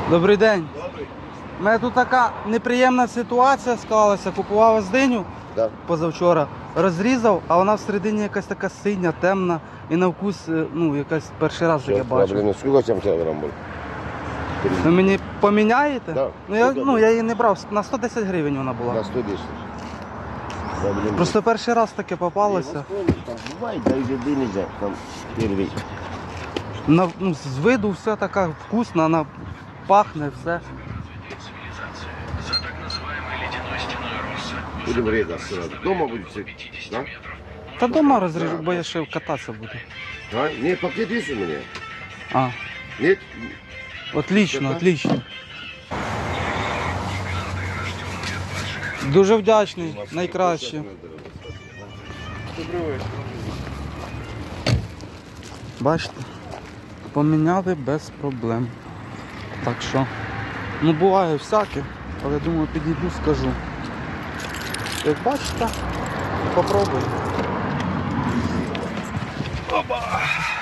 Добрий день. Добрий. У мене тут така неприємна ситуація склалася. Купував оздиню Да. позавчора, розрізав, а вона всередині якась така синя, темна і на вкус, ну, якась перший раз таке бачу. Блин, сколько там килограмм был? Ви мені поміняєте? Да. Ну, я її не брав, на 110 гривень вона була. На 110. Да, блин. Просто перший раз таке попалося. Там бывает, да, еды нельзя. Там первый. Ну, з виду все така вкусна, вона пахне, все. Будем резать сразу. Дома будет все. Да? Та дома розріжу, бо я ще кататися буду. А? Нет, пакет есть у меня? А, Нет? отлично, отлично. Дуже вдячний, найкраще. Бачите, поміняли без проблем. Так що, ну буває всяке, але думаю підійду, скажу. Як бачите, попробуй. Опа!